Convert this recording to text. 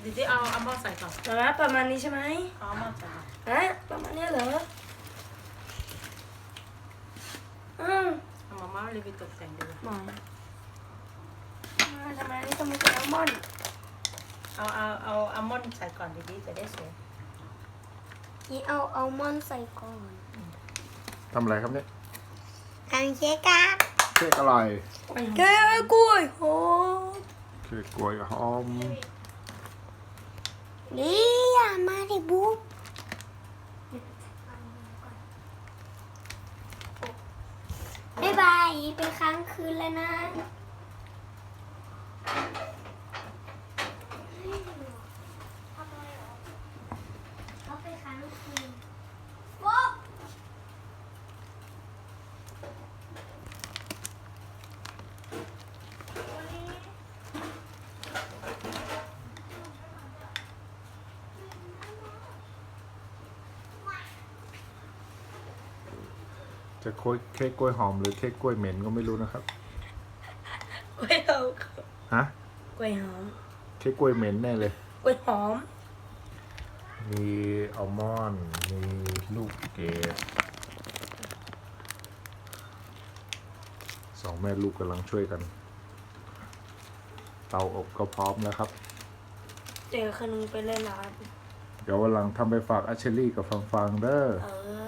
ดิจิเอาอัลมอนด์ใส่ก่อนประมาณนี้ใช่ไหมเอาอัลมอนด์ใส่ก่อนประมาณนี้เหรอเอามาม่ารีวิวตกแต่งดูหมอนทำไมต้องมีอัลมอนด์เอาอัลมอนด์ใส่ก่อนดิจะได้สวยนี่เอาอัลมอนด์ใส่ก่อนทำอะไรครับเนี่ยทำเค้กครับเค้กอร่อยแก้กล้วยโหเค้กกล้วยหอมนี่อย่ามาดิบุ๊บบ๊ายบายเป็นค้างคืนแล้วนะเขาไปค้างคืนบุ๊บจะเค้กกล้วยหอมหรือเค้กกล้วยเหม็นก็ไม่รู้นะครับกล้วยหอมฮะกล้วยหอมเค้กกล้วยเหม็นแน่เลยกล้วยหอมมีอัลมอนด์มีลูกเกดสองแม่ลูกกำลังช่วยกัน เตาอบก็พร้อมแล้วครับเจอคนนึงไปเล่นร้านเดี๋ยววันหลังทำไปฝากอาเชลี่กับฟังเด้อเออ